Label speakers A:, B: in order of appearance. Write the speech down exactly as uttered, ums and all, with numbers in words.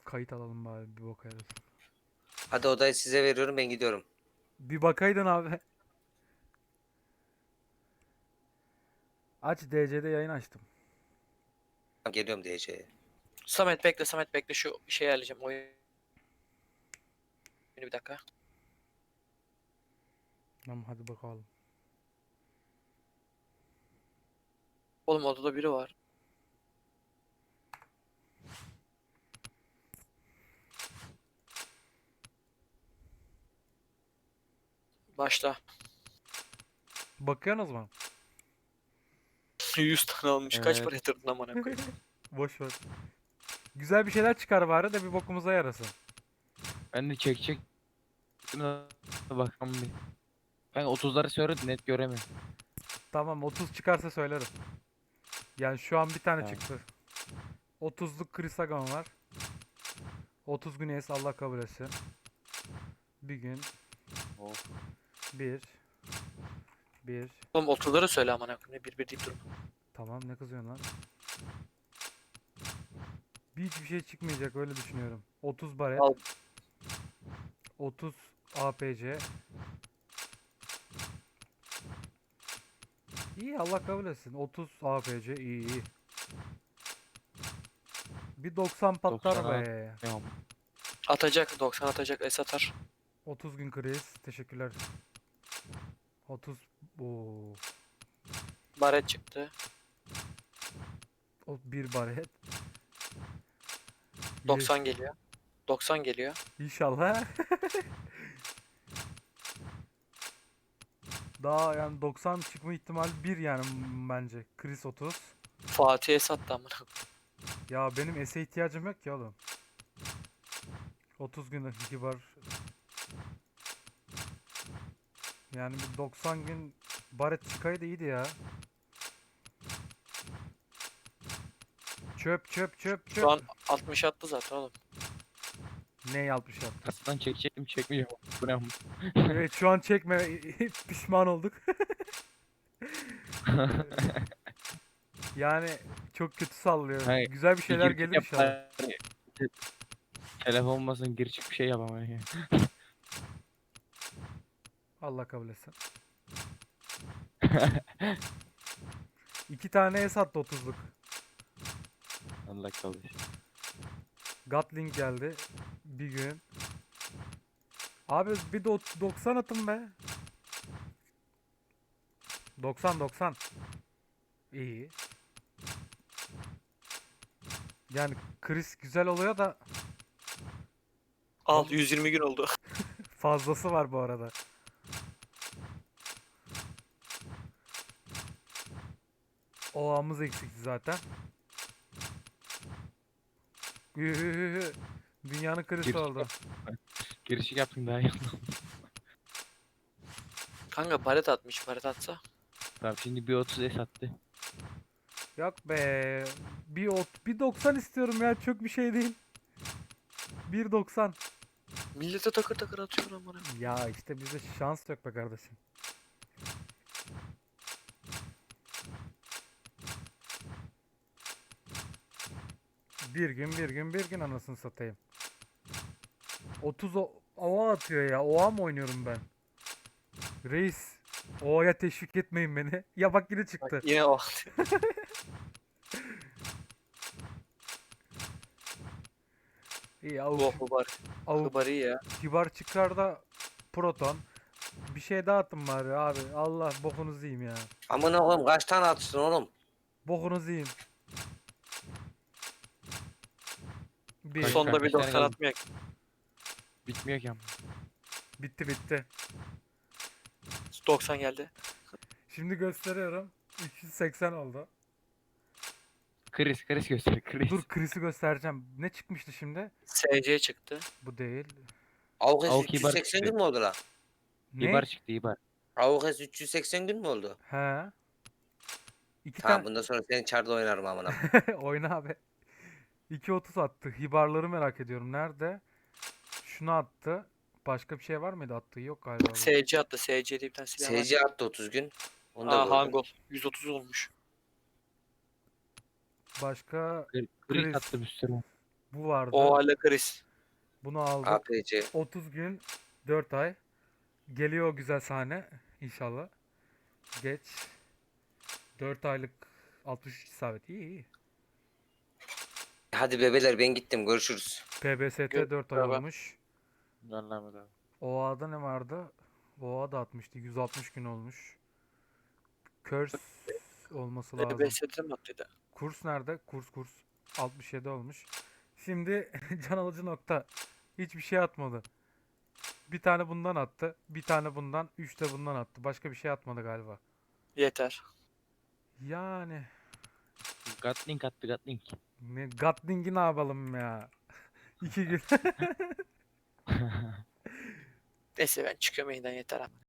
A: kayıt alalım bari, bir bakayız.
B: Hadi odayı size veriyorum, ben gidiyorum.
A: Bir bakaydın abi. Aç, D C'de yayın açtım.
B: Geliyorum diyeceğe.
C: Samet bekle, Samet bekle, şu şey ayarlayacağım oyunu bir dakika.
A: Tamam, hadi bakalım.
C: Oğlum odada biri var. Başla.
A: Bakıyorsunuz mu?
C: yüz tane almış. Kaç
D: Evet.
C: para yatırdın amına koyayım?
A: Boş ver. Güzel bir şeyler çıkar bari de bir bokumuza yarasın.
D: Ben de çekecek. Şuna bakalım bir. Ben otuzları söyle net göremiyorum.
A: Tamam, otuz çıkarsa söylerim. Yani şu an bir tane
D: Tamam.
A: çıktı. otuzluk Krisagon var. otuz gün es, Allah kabul etsin. Bir gün.
D: Of.
A: Bir. Bir.
C: Oğlum otuzları söyle amına koyayım. Bir bir deyip durma.
A: Tamam, ne kızıyorsun lan? Bir hiçbir şey çıkmayacak, öyle düşünüyorum. otuz baret.
C: Al.
A: otuz A P C. İyi, Allah kabul etsin. otuz A P C iyi iyi. Bir doksan patlar
D: doksan
A: be.
D: Tamam.
C: Atacak, doksan atacak, es atar.
A: otuz gün kriz. Teşekkürler. otuz. Oo.
C: Baret çıktı.
A: O bir baret.
C: doksan geliyor. doksan geliyor.
A: İnşallah. Daha yani doksan çıkma ihtimali bir yani bence. Kriz otuz.
C: Fatih es attı amına koyayım.
A: Ya benim S'e ihtiyacım yok ki oğlum. otuz gün kibar. Yani bir doksan gün baret çıkaydı iyiydi ya. Çöp çöp çöp çöp.
C: Şu an altmış attı zaten oğlum.
A: Ne yapmış yaptı?
D: Kasadan çekecektim çekmeyeceğim. Bu ne?
A: Evet, şu an çekme, pişman olduk. Yani çok kötü sallıyor.
D: Hayır,
A: Güzel bir şeyler
D: gir çık
A: gelir
D: yap
A: inşallah.
D: bari. Telefon olmasın gir çık bir şey yapamam.
A: Allah kabul etsin. İki tane es attı otuzluk.
D: Allah kalır.
A: Gatling geldi. Bir gün. Abi bir de ot- doksan atın be. doksan doksan. İyi. Yani kriz güzel oluyor da
C: Al, yüz yirmi gün oldu.
A: fazlası var bu arada. Oğamız eksikti zaten. Ühühühü. Dünyanın krizi
D: Gir çık
A: oldu.
D: yap. Girişik yaptım daha iyi.
C: Kanka baret atmış, baret atsa.
D: Tamam şimdi bir otuz es attı.
A: Yok be. Bir ot, bir doksan istiyorum ya, çok bir şey değil. bir doksan.
C: Millete takır takır atıyor amına.
A: Ya işte bizde şans yok be kardeşim. Bir gün bir gün bir gün anasını satayım. otuz o ova atıyor ya. Oğa mı oynuyorum ben? Reis. Ova'ya teşvik etmeyin beni. Ya bak, yine çıktı.
C: Bak, yine o.
A: İyi, avuk,
C: Oh bu bari.
A: avuk
C: Bu bari iyi ya.
A: kibar çıkar da proton. Bir şey daha attım bari abi. Allah bokunuzu yiyeyim ya.
B: Amına koyayım, kaç tane atsın oğlum?
A: Bokunuzu yiyeyim. Bir.
D: Kaç-
C: Sonda bir
D: kaç tane
C: doksan
D: kaldı?
C: atmıyor.
D: Bitmiyor ki ama.
A: Bitti bitti.
C: doksan geldi.
A: Şimdi gösteriyorum. üç yüz seksen oldu.
D: Kriz kriz göster kriz.
A: Dur, Chris'i göstereceğim. Ne çıkmıştı şimdi?
C: S C çıktı.
A: Bu değil.
B: Avukes
D: Avuk İbar
B: üç yüz seksen
D: çıktı.
B: gün mü oldu lan?
A: Ne?
D: İbar çıktı İbar.
B: Avukes üç yüz seksen gün mü oldu?
A: He. İki
B: Tamam,
A: tane.
B: bundan sonra senin çarda oynarım amına.
A: Oyna abi. iki otuz attı. Hibarları merak ediyorum. Nerede? Şunu attı. Başka bir şey var mıydı attığı? Yok galiba. bu.
C: S C attı. S C diye bir tane silah var.
B: S C attı otuz gün. Onu da
C: Aa,
B: gördüm.
C: Hangul. yüz otuz olmuş.
A: Başka
D: Kriz
A: Kriz.
D: attım üstüne.
A: Bu vardı.
C: O hala kriz.
A: Bunu aldık.
B: A P C.
A: otuz gün dört ay. Geliyor o güzel sahne inşallah. Geç. dört aylık altmış üç isabet. İyi iyi.
B: Hadi bebeler ben gittim görüşürüz.
A: P B S T
C: Gö-
A: dört ay
C: beraber.
A: olmuş.
D: Anlamadım abi.
A: O A'da ne vardı? O A da atmıştı. yüz altmış gün olmuş. Curse olması lazım.
C: E B S'de mi attıydı?
A: Kurs nerede? Kurs kurs. altmış yedi olmuş. Şimdi can alıcı nokta. Hiçbir şey atmadı. Bir tane bundan attı. Bir tane bundan. Üç de bundan attı. Başka bir şey atmadı galiba.
C: Yeter.
A: Yani.
D: Gatling attı Gatling.
A: Ne, Gatling'i ne yapalım ya? İki gün.
C: Neyse ben çıkıyorum yayından yeter abi.